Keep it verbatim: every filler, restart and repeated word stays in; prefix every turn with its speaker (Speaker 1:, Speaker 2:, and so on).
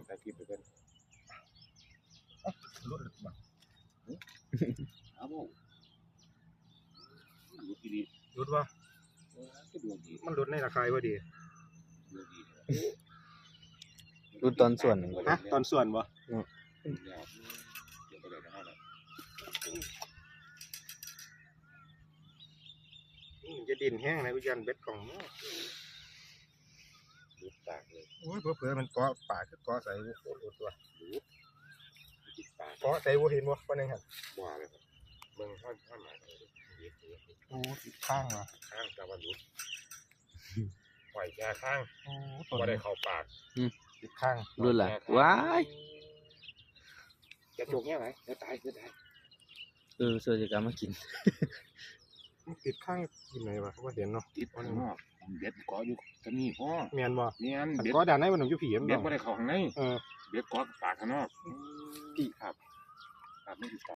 Speaker 1: ถ่ายคลิปไปกันรถมาเอาบ่รถดีรถว่ามันรถในราคาว่าดี
Speaker 2: ดูตอนส่วน
Speaker 1: ฮะตอนส่วนบ่จะดินแห้งนะวิญญาณเบ็ดของมั้งดูปากเลยโอ้ยเผื่อมันเกาะปากเกาะใส่โอ้โหตัวเกาะใส่วัวเห็นวัววันนึงครับว้าเลยครับเบิ่งท่านท่านหมายโอ้ติดข้างมาข้างตะวันรุดปล่อยแค่ข้างโอ้ตัวได้เข้าปากติดข้าง
Speaker 2: รุ่นละว้าย
Speaker 1: จะจกแง่ไหนจะตายจะตาย
Speaker 2: เออเสือจะกลับมากิน
Speaker 1: ติดข้างกินไหนวะเขาว่าเห็นเนาะ
Speaker 3: ติดข้างนอกเบ็ดเกาะอยู่จะมีพ่อ
Speaker 1: เมียนบ่
Speaker 3: เมียน
Speaker 1: เบ็ดเกาะด้านในมันอยู่ผีมัน
Speaker 3: เบ็ดไม่ได้เข้าข้างใน
Speaker 1: เออ
Speaker 3: เบ็ดเกาะปากข้างนอก
Speaker 1: พี่ครับ
Speaker 3: ครับไม่ติด